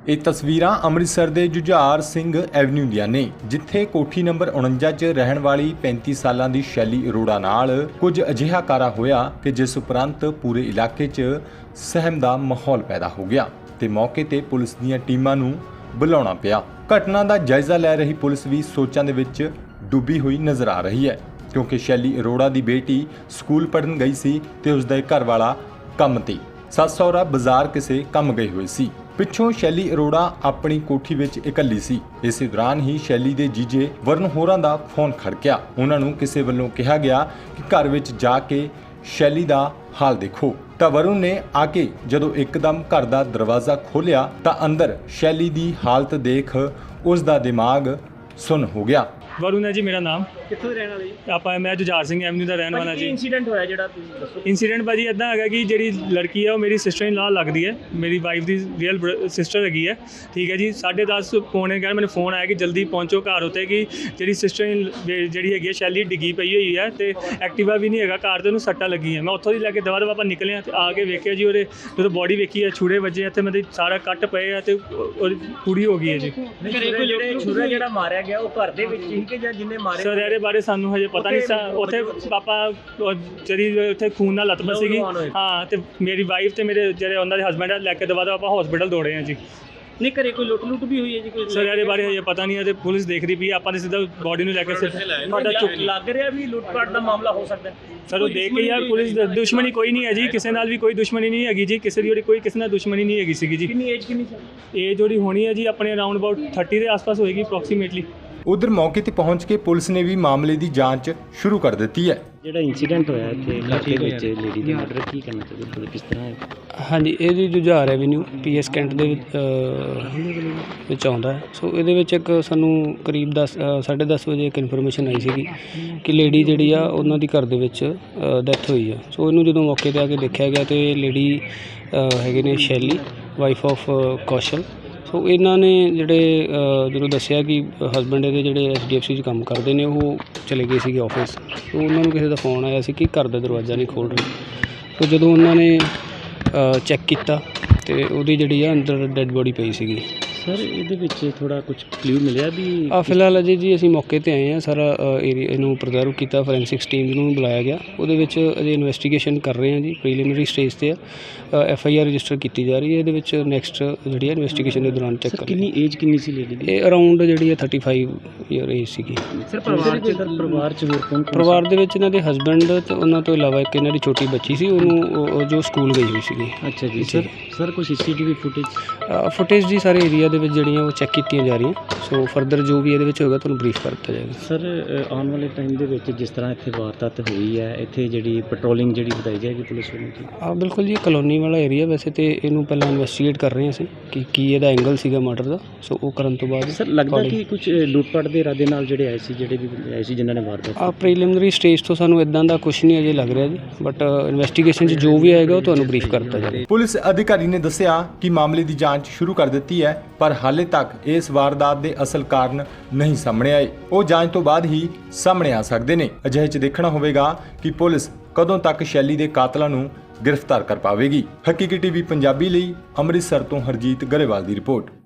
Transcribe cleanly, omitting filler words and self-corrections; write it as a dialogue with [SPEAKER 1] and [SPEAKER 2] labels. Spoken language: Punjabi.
[SPEAKER 1] ਇਹ ਤਸਵੀਰਾਂ ਅੰਮ੍ਰਿਤਸਰ ਦੇ ਜੁਝਾਰ ਸਿੰਘ ਐਵਨਿਊ ਦੀਆਂ ਨੇ, ਜਿੱਥੇ ਕੋਠੀ ਨੰਬਰ 49 'ਚ ਰਹਿਣ ਵਾਲੀ 35 ਸਾਲਾਂ ਦੀ ਸ਼ੈਲੀ ਅਰੋੜਾ ਨਾਲ ਕੁਝ ਅਜਿਹਾ ਕਾਰਾ ਹੋਇਆ ਕਿ ਜਿਸ ਉਪਰੰਤ ਪੂਰੇ ਇਲਾਕੇ 'ਚ ਸਹਿਮ ਦਾ ਮਾਹੌਲ ਪੈਦਾ ਹੋ ਗਿਆ ਤੇ ਮੌਕੇ ਤੇ ਪੁਲਿਸ ਦੀਆਂ ਟੀਮਾਂ ਨੂੰ ਬੁਲਾਉਣਾ ਪਿਆ। ਘਟਨਾ ਦਾ ਜਾਇਜ਼ਾ ਲੈ ਰਹੀ ਪੁਲਿਸ ਵੀ ਸੋਚਾਂ ਦੇ ਵਿੱਚ ਡੁੱਬੀ ਹੋਈ ਨਜ਼ਰ ਆ ਰਹੀ ਹੈ, ਕਿਉਂਕਿ ਸ਼ੈਲੀ ਅਰੋੜਾ ਦੀ ਬੇਟੀ ਸਕੂਲ ਪੜ੍ਹਨ ਗਈ ਸੀ ਤੇ ਉਸ ਦਾ ਘਰ ਵਾਲਾ ਕੰਮ ਤੇ, ਸੱਸ ਸਹੁਰਾ ਬਾਜ਼ਾਰ ਕਿਸੇ ਕੰਮ ਗਏ ਹੋਏ ਸੀ। ਪਿੱਛੋਂ ਸ਼ੈਲੀ ਅਰੋੜਾ ਆਪਣੀ ਕੋਠੀ ਵਿੱਚ ਇਕੱਲੀ ਸੀ। ਇਸੇ ਦੌਰਾਨ ਹੀ ਸ਼ੈਲੀ ਦੇ ਜੀਜੇ ਵਰਨ ਹੋਰਾਂ ਦਾ ਫੋਨ ਖੜਕਿਆ। ਉਹਨਾਂ ਨੂੰ ਕਿਸੇ ਵੱਲੋਂ ਕਿਹਾ ਗਿਆ ਕਿ ਘਰ ਵਿੱਚ ਜਾ ਕੇ ਸ਼ੈਲੀ ਦਾ ਹਾਲ ਦੇਖੋ। ਤਾਂ ਵਰਨ ਨੇ ਆ ਕੇ ਜਦੋਂ ਇੱਕਦਮ ਘਰ ਦਾ ਦਰਵਾਜ਼ਾ ਖੋਲ੍ਹਿਆ ਤਾਂ ਅੰਦਰ ਸ਼ੈਲੀ ਦੀ ਹਾਲਤ ਦੇਖ ਉਸ ਦਾ ਦਿਮਾਗ ਸੁੰਨ ਹੋ ਗਿਆ।
[SPEAKER 2] ਵरुण है जी मेरा नाम।
[SPEAKER 3] ਕਿੱਥੋਂ ਦੇ ਰਹਿਣ ਵਾਲੇ ਜੀ?
[SPEAKER 2] ਆਪਾਂ ਮੈਂ ਜੁਝਾਰ ਸਿੰਘ ਐਵਨਿਊ ਦਾ ਰਹਿਣ ਵਾਲਾ
[SPEAKER 3] ਕੀ
[SPEAKER 2] ਜੀ।
[SPEAKER 3] ਇਨਸੀਡੈਂਟ ਹੋਇਆ ਜਿਹੜਾ ਤੁਸੀਂ ਦੱਸੋ?
[SPEAKER 2] ਇੰਸੀਡੈਂਟ ਭਾਜੀ ਇੱਦਾਂ ਹੈਗਾ ਕਿ ਜਿਹੜੀ ਲੜਕੀ ਹੈ ਉਹ ਮੇਰੀ ਸਿਸਟਰ ਇਨ ਲਾ ਲੱਗਦੀ ਹੈ, ਮੇਰੀ ਵਾਈਫ ਦੀ ਰੀਅਲ ਸਿਸਟਰ ਹੈਗੀ ਹੈ। ਠੀਕ ਹੈ ਜੀ, 10:30 ਪੌਣੇ ਘਰ ਮੈਨੂੰ ਫੋਨ ਆਇਆ ਕਿ ਜਲਦੀ ਪਹੁੰਚੋ ਘਰ ਉੱਤੇ, ਕਿ ਜਿਹੜੀ ਸਿਸਟਰ ਜਿਹੜੀ ਹੈਗੀ ਹੈ ਸ਼ੈਲੀ ਡਿੱਗੀ ਪਈ ਹੋਈ ਹੈ ਤੇ ਐਕਟਿਵਾ ਵੀ ਨਹੀਂ ਹੈਗਾ ਘਰ ਤੇ ਉਹਨੂੰ ਸੱਟਾਂ ਲੱਗੀਆਂ। ਮੈਂ ਉੱਥੋਂ ਦੀ ਲੈ ਕੇ ਦਵਾ ਆਪਾਂ ਨਿਕਲੇ ਤੇ ਆ ਕੇ ਵੇਖਿਆ ਜੀ ਉਹਦੇ ਜਦੋਂ ਬੋਡੀ ਵੇਖੀ ਹੈ ਛੁਰੇ ਵੱਜੇ ਤੇ ਮੇਰੇ ਸਾਰਾ ਕੱਟ ਪਏ ਆ ਤੇ ਉਹਦੀ ਪੂਰੀ ਹੋ ਗਈ ਹੈ ਜੀ।
[SPEAKER 3] ਛੁਰਾ ਜਿਹੜਾ ਮਾਰਿਆ ਗਿਆ ਉਹ ਘਰ ਦੇ ਵਿੱਚ ਹੀ ਕਿ ਜਾਂ ਜਿੰਨੇ ਮਾਰੇ?
[SPEAKER 2] ਸਰ ਇਹਦੇ ਬਾਰੇ ਸਾਨੂੰ ਹਜੇ ਪਤਾ ਨਹੀਂ ਸਾ। ਉੱਥੇ ਪਾਪਾ ਜਿਹੜੀ ਉੱਥੇ ਖੂਨ ਨਾਲ ਲੱਤਮ ਸੀਗੀ। ਹਾਂ, ਤੇ ਮੇਰੀ ਵਾਈਫ ਤੇ ਮੇਰੇ ਜਿਹੜੇ ਉਹਨਾਂ ਦੇ ਹਸਬੈਂਡ ਲੈ ਕੇ ਦਵਾ ਆਪਾਂ ਹਸਪੀਟਲ ਦੌੜੇ ਹਾਂ ਜੀ।
[SPEAKER 3] ਨਹੀਂ ਘਰੇ ਕੋਈ ਲੁੱਟ ਵੀ ਹੋਈ ਹੈ ਜੀ ਕੋਈ?
[SPEAKER 2] ਸਰ ਇਹਦੇ ਬਾਰੇ ਹਜੇ ਪਤਾ ਨਹੀਂ ਹੈ ਤੇ ਪੁਲਿਸ ਦੇਖ ਰਹੀ ਪਈ ਹੈ। ਆਪਾਂ ਨੇ ਸਿੱਧਾ ਬੋਡੀ ਨੂੰ ਲੈ ਕੇ
[SPEAKER 3] ਤੁਹਾਡਾ ਚੁੱਕ ਲੱਗ ਰਿਹਾ ਵੀ ਲੁੱਟ-ਪਾਟ ਦਾ ਮਾਮਲਾ ਹੋ ਸਕਦਾ ਹੈ?
[SPEAKER 2] ਸਰ ਉਹ ਦੇਖ ਕੇ ਯਾਰ ਪੁਲਿਸ ਦੁਸ਼ਮਣੀ ਕੋਈ ਨਹੀਂ ਹੈ ਜੀ, ਕਿਸੇ ਨਾਲ ਵੀ ਕੋਈ ਦੁਸ਼ਮਣੀ ਨਹੀਂ ਹੈਗੀ ਜੀ, ਕਿਸੇ ਦੀ ਕੋਈ ਕਿਸੇ ਨਾਲ ਦੁਸ਼ਮਣੀ ਨਹੀਂ ਹੈਗੀ ਸੀਗੀ ਜੀ।
[SPEAKER 3] ਕਿੰਨੀ ਏਜ ਕਿੰਨੀ ਸੀ?
[SPEAKER 2] ਏਜ ਜਿਹੜੀ ਹੋਣੀ ਹੈ ਜੀ ਆਪਣੇ ਅਰਾਊਂਡ ਅਬਾਊਟ 30 ਦੇ ਆਸ-ਪਾਸ ਹੋਏਗੀ ਅਪਰੋਕਸੀਮੇਟਲੀ।
[SPEAKER 1] ਉਧਰ ਮੌਕੇ ਤੇ ਪਹੁੰਚ ਕੇ ਪੁਲਿਸ ਨੇ ਵੀ ਮਾਮਲੇ ਦੀ ਜਾਂਚ ਸ਼ੁਰੂ ਕਰ ਦਿੱਤੀ ਹੈ।
[SPEAKER 4] ਜਿਹੜਾ ਇਨਸੀਡੈਂਟ ਹੋਇਆ ਇੱਥੇ ਇਲਾਕੇ ਵਿੱਚ ਲੇਡੀ ਦੇ ਮਰਡਰ, ਕੀ ਕਰਨਾ ਚਾਹੀਦਾ, ਕਿਸ ਤਰ੍ਹਾਂ ਹੈ?
[SPEAKER 5] ਹਾਂਜੀ, ਇਹ ਜੀ ਜੁਝਾਰ ਐਵਨਿਊ ਪੀਐਸ ਕੈਂਟ ਦੇ ਵਿੱਚ ਆਉਂਦਾ ਹੈ। ਸੋ ਇਹਦੇ ਵਿੱਚ ਇੱਕ ਸਾਨੂੰ ਕਰੀਬ 10:30 ਵਜੇ ਇੱਕ ਇਨਫੋਰਮੇਸ਼ਨ ਆਈ ਸੀਗੀ ਕਿ ਲੇਡੀ ਜਿਹੜੀ ਆ ਉਹਨਾਂ ਦੀ ਘਰ ਦੇ ਵਿੱਚ ਡੈਥ ਹੋਈ ਆ। ਸੋ ਇਹਨੂੰ ਜਦੋਂ ਮੌਕੇ 'ਤੇ ਆ ਕੇ ਦੇਖਿਆ ਗਿਆ ਤੇ ਲੇਡੀ ਹੈਗੇ ਨੇ ਸ਼ੈਲੀ, ਵਾਈਫ ਆਫ ਕੌਸ਼ਲ। ਸੋ ਇਹਨਾਂ ਨੇ ਜਿਹੜੇ ਜਦੋਂ ਦੱਸਿਆ ਕਿ ਹਸਬੈਂਡ ਇਹਦੇ ਜਿਹੜੇ HDFC 'ਚ ਕੰਮ ਕਰਦੇ ਨੇ, ਉਹ ਚਲੇ ਗਏ ਸੀਗੇ ਆਫਿਸ। ਸੋ ਉਹਨਾਂ ਨੂੰ ਕਿਸੇ ਦਾ ਫੋਨ ਆਇਆ ਸੀ ਕਿ ਘਰ ਦਾ ਦਰਵਾਜ਼ਾ ਨਹੀਂ ਖੋਲ੍ਹ ਰਹੇ। ਸੋ ਜਦੋਂ ਉਹਨਾਂ ਨੇ ਚੈੱਕ ਕੀਤਾ ਤੇ ਉਹਦੀ ਜਿਹੜੀ ਆ ਅੰਦਰ ਡੈੱਡ ਬੋਡੀ ਪਈ ਸੀਗੀ।
[SPEAKER 4] ਸਰ ਇਹਦੇ ਵਿੱਚ ਥੋੜਾ ਕੁਝ ਕਲੂ ਮਿਲਿਆ ਵੀ?
[SPEAKER 5] ਫਿਲਹਾਲ ਅਜੇ ਜੀ ਅਸੀਂ ਮੌਕੇ 'ਤੇ ਆਏ ਹਾਂ, ਸਾਰਾ ਏਰੀਆ ਇਹਨੂੰ ਪ੍ਰਜ਼ਰਵ ਕੀਤਾ, ਫੋਰੈਂਸਿਕਸ ਟੀਮ ਨੂੰ ਬੁਲਾਇਆ ਗਿਆ। ਉਹਦੇ ਵਿੱਚ ਅਜੇ ਇਨਵੈਸਟੀਗੇਸ਼ਨ ਕਰ ਰਹੇ ਹਾਂ ਜੀ, ਪ੍ਰੀਲਿਮਿਨਰੀ ਸਟੇਜ 'ਤੇ ਆ। FIR ਰਜਿਸਟਰ ਕੀਤੀ ਜਾ ਰਹੀ ਹੈ। ਇਹਦੇ ਵਿੱਚ ਨੈਕਸਟ ਜਿਹੜੀ ਹੈ ਇਨਵੈਸਟੀਗੇਸ਼ਨ ਦੇ ਦੌਰਾਨ ਚੈੱਕ ਕਰ।
[SPEAKER 4] ਕਿੰਨੀ ਏਜ ਕਿੰਨੀ ਸੀ ਲੇਡੀ ਦੀ?
[SPEAKER 5] ਇਹ ਅਰਾਊਂਡ ਜਿਹੜੀ ਹੈ 35 ਈਅਰ ਏਜ ਸੀਗੀ।
[SPEAKER 4] ਸਰ ਪਰਿਵਾਰ 'ਚ ਹੋਰ ਕੌਣ?
[SPEAKER 5] ਪਰਿਵਾਰ ਦੇ ਵਿੱਚ ਇਹਨਾਂ ਦੇ ਹਸਬੈਂਡ ਤੇ ਉਹਨਾਂ ਤੋਂ ਇਲਾਵਾ ਇੱਕ ਇਹਨਾਂ ਦੀ ਛੋਟੀ ਬੱਚੀ ਸੀ, ਉਹਨੂੰ ਜੋ ਸਕੂਲ ਗਈ ਹੋਈ ਸੀਗੀ।
[SPEAKER 4] ਅੱਛਾ ਜੀ। ਸਰ ਕੋਈ CCTV
[SPEAKER 5] ਫੁਟੇਜ ਜੀ ਸਾਰੇ ਏਰੀਆ ਦੇ ਵਿੱਚ ਜਿਹੜੀਆਂ ਉਹ ਚੈੱਕ ਕੀਤੀਆਂ ਜਾ ਰਹੀਆਂ। ਸੋ ਫਰਦਰ ਜੋ ਵੀ ਇਹਦੇ ਵਿੱਚ ਹੋਏਗਾ ਤੁਹਾਨੂੰ ਬਰੀਫ ਕਰ ਦਿੱਤਾ ਜਾਏਗਾ।
[SPEAKER 4] ਸਰ ਆਉਣ ਵਾਲੇ ਟਾਈਮ ਦੇ ਵਿੱਚ ਜਿਸ ਤਰ੍ਹਾਂ ਇੱਥੇ ਵਾਰਦਾਤ ਹੋਈ ਹੈ, ਇੱਥੇ ਜਿਹੜੀ ਪੈਟਰੋਲਿੰਗ ਜਿਹੜੀ ਵਧਾਈ ਜਾਏਗੀ ਪੁਲਿਸ ਵੱਲੋਂ?
[SPEAKER 5] ਬਿਲਕੁਲ ਜੀ, ਕਲੋਨੀ ਵਾਲਾ ਏਰੀਆ ਵੈਸੇ ਤੇ ਇਹਨੂੰ ਪਹਿਲਾਂ ਇਨਵੈਸਟੀਗੇਟ ਕਰ ਰਹੇ ਅਸੀਂ ਕਿ ਕੀ ਇਹਦਾ ਐਂਗਲ ਸੀਗਾ ਮਰਡਰ ਦਾ। ਸੋ ਉਹ ਕਰਨ ਤੋਂ ਬਾਅਦ
[SPEAKER 4] ਸਰ ਲੱਗਦਾ ਕਿ ਕੁਝ ਲੁੱਟਪਾਟ ਦੇ ਇਰਾਦੇ ਨਾਲ ਜਿਹੜੇ ਆਏ ਸੀ ਜਿਨ੍ਹਾਂ ਨੇ ਵਾਰਦਾਤ?
[SPEAKER 5] ਪ੍ਰੀਲਿਮਿਨਰੀ ਸਟੇਜ ਤੋਂ ਸਾਨੂੰ ਇਦਾਂ ਦਾ ਕੁਝ ਨਹੀਂ ਅਜੇ ਲੱਗ ਰਿਹਾ ਜੀ, ਬਟ ਇਨਵੈਸਟੀਗੇਸ਼ਨ 'ਚ ਜੋ ਵੀ ਆਏਗਾ ਉਹ ਤੁਹਾਨੂੰ ਬਰੀਫ ਕਰ ਦਿੱਤਾ ਜਾਏਗਾ।
[SPEAKER 1] ਪੁਲਿਸ ਅਧਿਕਾਰੀ ਨੇ ਦੱਸਿਆ ਕਿ ਮਾਮਲੇ ਦੀ ਜਾਂਚ ਸ਼ੁਰੂ ਕਰ ਦਿੱਤੀ ਹੈ, ਪਰ ਹਾਲੇ ਤੱਕ ਇਸ ਵਾਰਦਾਤ ਦੇ ਅਸਲ ਕਾਰਨ ਨਹੀਂ ਸਾਹਮਣੇ ਆਏ। ਉਹ ਜਾਂਚ ਤੋਂ ਬਾਅਦ ਹੀ ਸਾਹਮਣੇ ਆ ਸਕਦੇ ਨੇ। ਅਜਿਹੇ 'ਚ ਦੇਖਣਾ ਹੋਵੇਗਾ ਕਿ ਪੁਲਿਸ ਕਦੋਂ ਤੱਕ ਸ਼ੈਲੀ ਦੇ ਕਾਤਲਾਂ ਨੂੰ ਗ੍ਰਿਫਤਾਰ ਕਰ ਪਾਵੇਗੀ। ਹਕੀਕੀ TV ਪੰਜਾਬੀ ਲਈ ਅੰਮ੍ਰਿਤਸਰ ਤੋਂ ਹਰਜੀਤ ਗਰੇਵਾਲ ਦੀ ਰਿਪੋਰਟ।